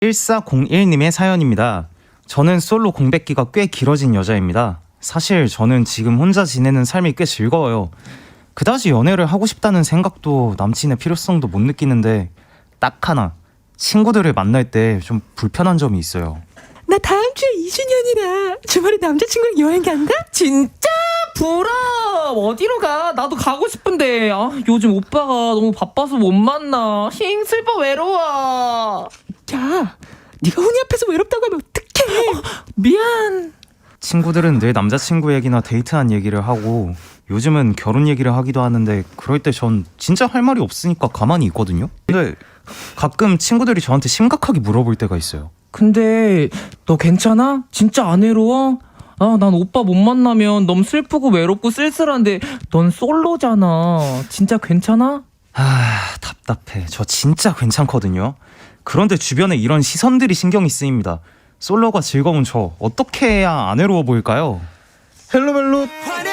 1401님의 사연입니다. 저는 솔로 공백기가 꽤 길어진 여자입니다. 사실 저는 지금 혼자 지내는 삶이 꽤 즐거워요. 그다지 연애를 하고 싶다는 생각도 남친의 필요성도 못 느끼는데 딱 하나, 친구들을 만날 때 좀 불편한 점이 있어요. 나 다음 주에 2주년이라 주말에 남자친구랑 여행 간다? 진짜 부럽. 어디로 가? 나도 가고 싶은데 요즘 오빠가 너무 바빠서 못 만나. 힝 슬퍼 외로워. 야, 네가 훈이 앞에서 외롭다고 하면 어떡해. 미안. 친구들은 늘 남자친구 얘기나 데이트한 얘기를 하고 요즘은 결혼 얘기를 하기도 하는데 그럴 때 전 진짜 할 말이 없으니까 가만히 있거든요. 근데 가끔 친구들이 저한테 심각하게 물어볼 때가 있어요. 근데 너 괜찮아? 진짜 안 외로워? 난 오빠 못 만나면 너무 슬프고 외롭고 쓸쓸한데 넌 솔로잖아. 진짜 괜찮아? 답답해. 저 진짜 괜찮거든요. 그런데 주변에 이런 시선들이 신경이 쓰입니다. 솔로가 즐거운 저 어떻게 해야 안 외로워 보일까요? 헬로멜로